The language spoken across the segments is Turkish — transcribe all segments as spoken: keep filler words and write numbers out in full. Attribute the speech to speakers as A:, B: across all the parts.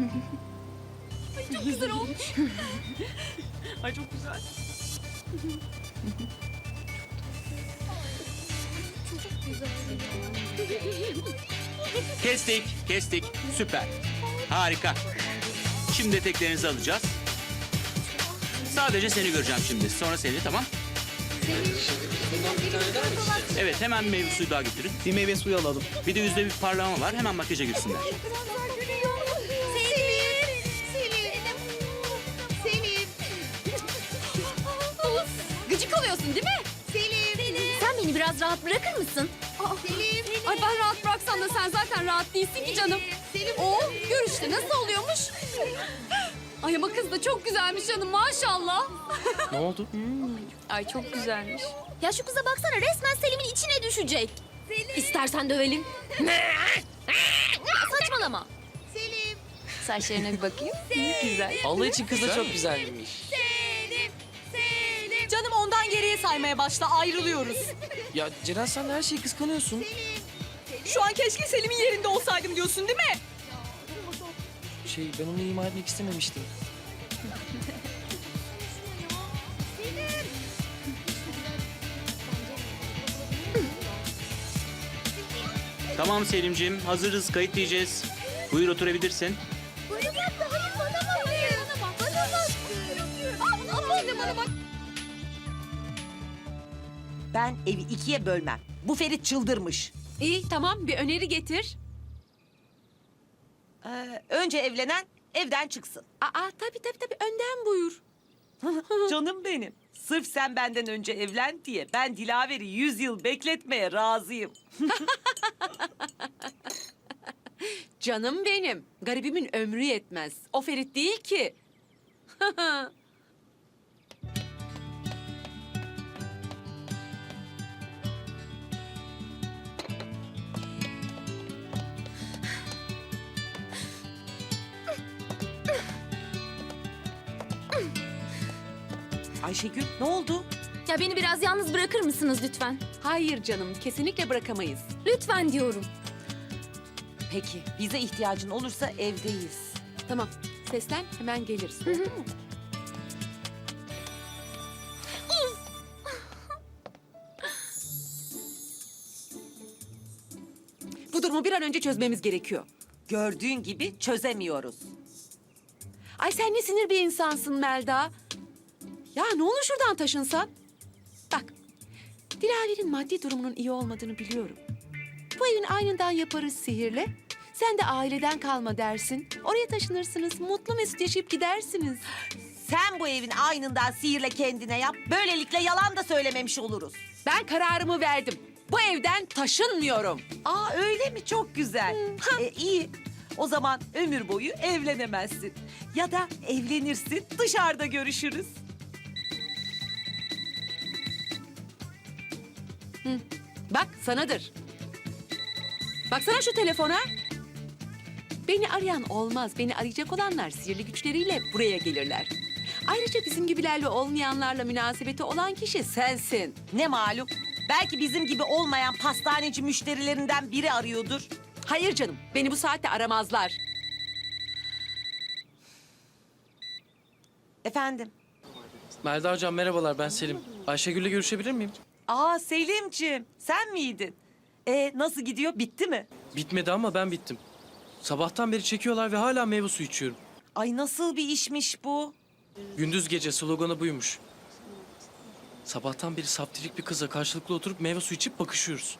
A: Ay çok güzel olmuş.
B: Ay çok güzel.
C: Kestik, kestik. Süper. Harika. Şimdi eteklerinizi alacağız. Sadece seni göreceğim şimdi. Sonra seni, tamam? Evet, hemen bir meyve suyu daha getirin.
B: Bir meyve suyu alalım.
C: Bir de yüzde bir parlama var. Hemen makyaja girsinler.
A: Selim. Selim. Selim. Gıcık oluyorsun değil mi? Selim.
D: Sen beni biraz rahat bırakır mısın?
A: Selim.
D: Ay ben rahat bıraksam da sen zaten rahat değilsin ki canım.
A: Selim.
D: Oo, görüşte nasıl oluyormuş? Ay ama kız da çok güzelmiş canım maşallah.
B: Ne oldu?
D: Ay çok güzelmiş. Ya şu kıza baksana resmen Selim'in içine düşecek. İstersen dövelim. Saçmalama.
A: Selim.
D: Saçlarına bir bakayım. Güzel.
B: Allah için kız da çok güzelmiş.
A: Selim. Selim.
E: Canım ondan geriye saymaya başla, ayrılıyoruz.
B: Ya Ceren sen de her şeyi kıskanıyorsun.
E: Şu an keşke Selim'in yerinde olsaydım diyorsun değil mi?
B: Şey ben onu ima etmek istememiştim.
C: Tamam Selimciğim, hazırız. Kayıt diyeceğiz. Buyur oturabilirsin.
A: Bana bak. Hayır bana bak. Hayır. Bana bak. Bana bak. Bana bak.
F: Ben evi ikiye bölmem. Bu Ferit çıldırmış.
E: İyi tamam bir öneri getir.
F: Ee, önce evlenen evden çıksın.
E: Aa tabii tabii tabii önden buyur.
F: Canım benim. Sırf sen benden önce evlen diye ben Dilaver'i yüz yıl bekletmeye razıyım.
E: Canım benim. Garibimin ömrü yetmez. O Ferit değil ki.
F: Ayşegül ne oldu?
D: Ya beni biraz yalnız bırakır mısınız lütfen?
E: Hayır canım kesinlikle bırakamayız.
D: Lütfen diyorum.
F: Peki bize ihtiyacın olursa evdeyiz.
E: Tamam seslen hemen geliriz. Oldu mu? Bu durumu bir an önce çözmemiz gerekiyor.
F: Gördüğün gibi çözemiyoruz.
E: Ay sen ne sinir bir insansın Melda. Ya ne olur şuradan taşınsan. Bak, Dilaver'in maddi durumunun iyi olmadığını biliyorum. Bu evin aynından yaparız sihirle. Sen de aileden kalma dersin. Oraya taşınırsınız, mutlu mesut yaşayıp gidersiniz.
F: Sen bu evin aynından sihirle kendine yap. Böylelikle yalan da söylememiş oluruz.
E: Ben kararımı verdim. Bu evden taşınmıyorum.
F: Aa öyle mi? Çok güzel. e, iyi. O zaman ömür boyu evlenemezsin. Ya da evlenirsin, dışarıda görüşürüz.
E: Bak sanadır. Baksana şu telefona. Beni arayan olmaz. Beni arayacak olanlar sihirli güçleriyle buraya gelirler. Ayrıca bizim gibilerle olmayanlarla münasebeti olan kişi sensin.
F: Ne malum? Belki bizim gibi olmayan pastaneci müşterilerinden biri arıyordur.
E: Hayır canım, beni bu saatte aramazlar.
F: Efendim?
B: Melda hocam merhabalar ben Selim. Ayşegül'le görüşebilir miyim?
F: Aa Selimciğim, sen miydin? E nasıl gidiyor? Bitti mi?
B: Bitmedi ama ben bittim. Sabahtan beri çekiyorlar ve hala meyve suyu içiyorum.
F: Ay nasıl bir işmiş bu?
B: Gündüz gece sloganı buymuş. Sabahtan beri saptirik bir kızla karşılıklı oturup meyve suyu içip bakışıyoruz.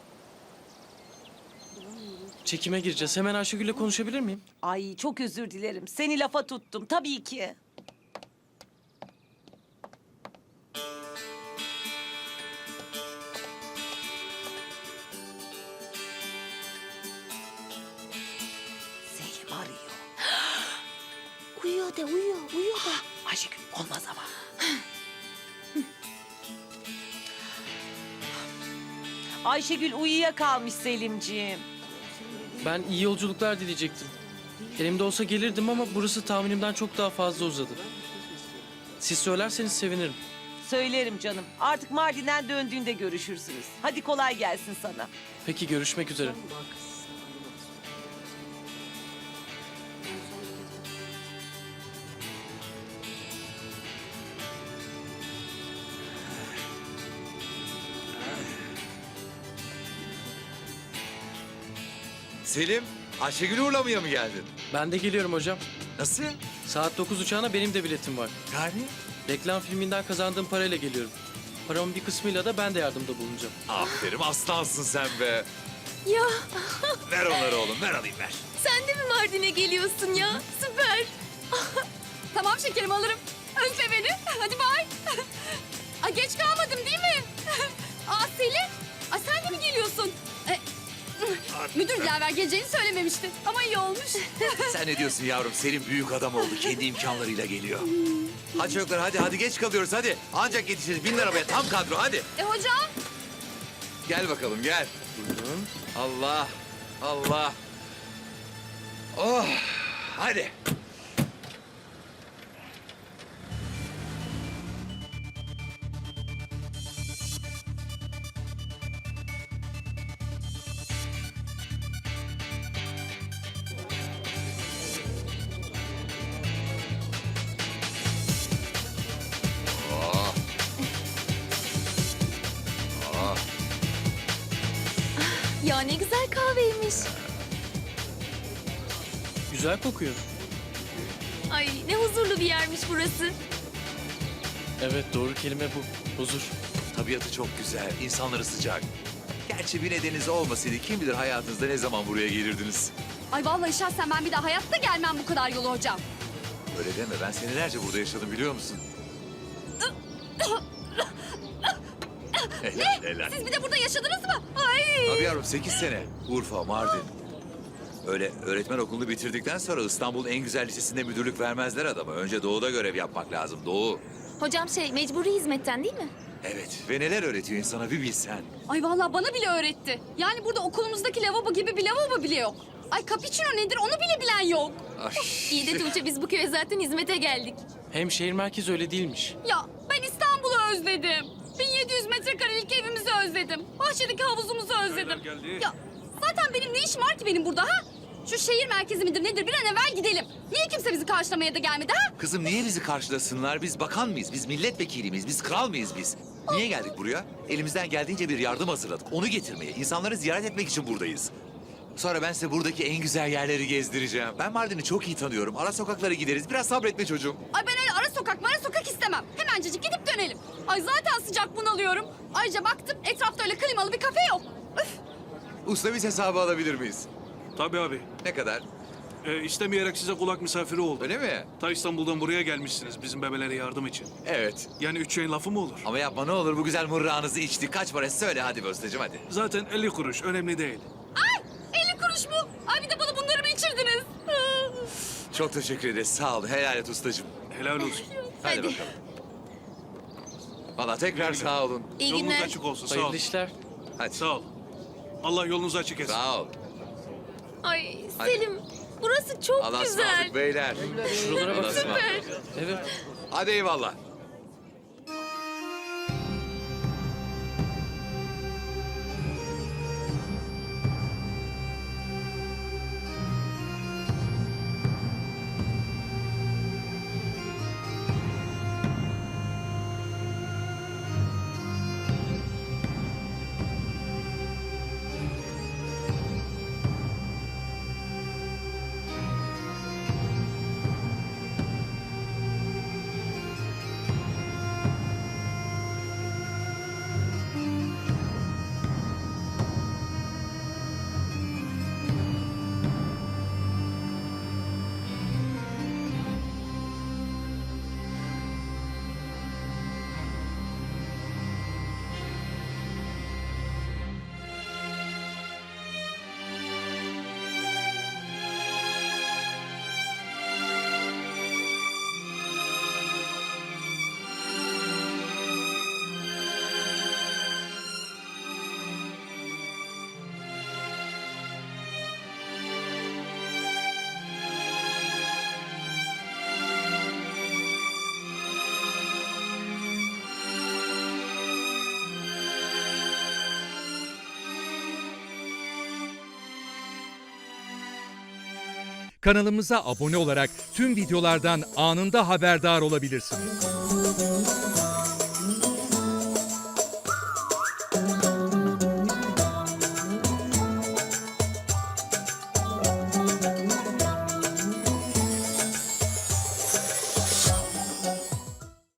B: Çekime gireceğiz. Hemen Ayşegül'le konuşabilir miyim?
F: Ay çok özür dilerim. Seni lafa tuttum tabii ki. Selim arıyor.
D: Uyuyor de uyuyor, uyuyor de.
F: Ayşegül olmaz ama. Ayşegül uyuyakalmış Selimciğim.
B: Ben iyi yolculuklar dileyecektim. Elimde olsa gelirdim ama burası tahminimden çok daha fazla uzadı. Siz söylerseniz sevinirim.
F: Söylerim canım. Artık Mardin'den döndüğünde görüşürsünüz. Hadi kolay gelsin sana.
B: Peki görüşmek üzere.
G: Selim, Ayşegül'ü uğurlamaya mı geldin?
B: Ben de geliyorum hocam.
G: Nasıl?
B: Saat dokuz uçağına benim de biletim var.
G: Yani?
B: Reklam filminden kazandığım parayla geliyorum. Paramın bir kısmıyla da ben de yardımda bulunacağım.
G: Aferin, aslansın sen be.
D: Ya
G: Ver onları oğlum, ver alayım ver.
D: sen de mi Mardin'e geliyorsun ya? Süper.
A: Tamam şekerim alırım. Özle beni. Hadi bay. Ay geç kalmadım değil mi? Aa Selin. Ay sen de mi geliyorsun? E, müdür Dilaver geleceğini söylememişti. Ama iyi olmuş.
G: Sen ne diyorsun yavrum? Selim büyük adam oldu, kendi imkanlarıyla geliyor. Hadi çocuklar, hadi hadi geç kalıyoruz hadi. Ancak yetişiriz, bin arabaya tam kadro hadi.
A: E hocam?
G: Gel bakalım gel.
B: Buyurun.
G: Allah, Allah. Oh, hadi. Oh. Oh.
D: Ya ne güzel kahveymiş.
B: Güzel kokuyor.
D: Ay ne huzurlu bir yermiş burası.
B: Evet, doğru kelime bu. Huzur.
G: Tabiatı çok güzel, insanları sıcak. Gerçi bir nedeniniz olmasaydı kim bilir hayatınızda ne zaman buraya gelirdiniz.
A: Ay vallahi şahsen ben bir daha hayatta gelmem bu kadar yolu hocam.
G: Öyle deme, ben senelerce burada yaşadım biliyor musun? helal, helal.
A: Siz bir de burada yaşadınız mı? Ay.
G: Tabii yavrum, sekiz sene. Urfa, Mardin. Öyle öğretmen okulunu bitirdikten sonra İstanbul'un en güzel lisesinde müdürlük vermezler adama. Önce doğuda görev yapmak lazım, doğu.
D: Hocam şey mecburi hizmetten değil mi?
G: Evet, ve neler öğretiyor insana bir bilsen.
A: Ay vallahi bana bile öğretti. Yani burada okulumuzdaki lavabo gibi bir lavabo bile yok. Ay cappuccino nedir onu bile bilen yok.
G: Ay.
D: İyi de Tuğçe biz bu köye zaten hizmete geldik.
B: Hem şehir merkezi öyle değilmiş.
A: Ya ben İstanbul'u özledim. bin yedi yüz metrekarelik evimizi özledim. Bahçedeki havuzumuzu özledim. Ya zaten benim ne işim var ki benim burada ha? Şu şehir merkezi midir nedir bir an evvel gidelim. Niye kimse bizi karşılamaya da gelmedi ha?
G: Kızım niye bizi karşılasınlar? Biz bakan mıyız? Biz milletvekili miyiz? Biz kral mıyız biz? Niye geldik buraya? Elimizden geldiğince bir yardım hazırladık. Onu getirmeye, insanları ziyaret etmek için buradayız. Sonra ben size buradaki en güzel yerleri gezdireceğim. Ben Mardin'i çok iyi tanıyorum. Ara sokaklara gideriz. Biraz sabretme çocuğum.
A: Ay ben öyle ara sokak mara sokak istemem. Hemencecik gidip dönelim. Ay zaten sıcak bunalıyorum. Ayrıca baktım etrafta öyle klimalı bir kafe yok. Üf.
G: Usta biz hesabı alabilir miyiz?
H: Tabii abi.
G: Ne kadar?
H: Ee, istemeyerek size kulak misafiri oldum.
G: Öyle mi?
H: Ta İstanbul'dan buraya gelmişsiniz bizim bebelere yardım için.
G: Evet.
H: Yani üç şeyin lafı mı olur?
G: Ama yapma ne olur bu güzel mırrağınızı içtik. Kaç para söyle hadi be ustacığım hadi.
H: Zaten elli kuruş önemli değil.
A: Ay elli kuruş mu? Ay bir de bana bunları mı içirdiniz?
G: Çok teşekkür ederiz. Sağ ol. Helal et ustacığım.
H: Helal olsun.
G: Hadi, bakalım. Valla tekrar sağ olun.
D: İyi
H: Yolunuz
D: günler.
H: açık olsun sağ ol.
B: Hayırlı işler.
G: Hadi.
H: Sağ ol. Allah yolunuzu açık etsin.
G: Sağ ol.
D: Ay
G: Hadi.
D: Selim burası çok
G: Allah'a
D: güzel.
G: ısmarladık beyler.
B: Şuralara
G: Allah'a
B: baksana.
G: ısmarladık.
B: Evet.
G: Hadi eyvallah.
I: Kanalımıza abone olarak tüm videolardan anında haberdar olabilirsiniz.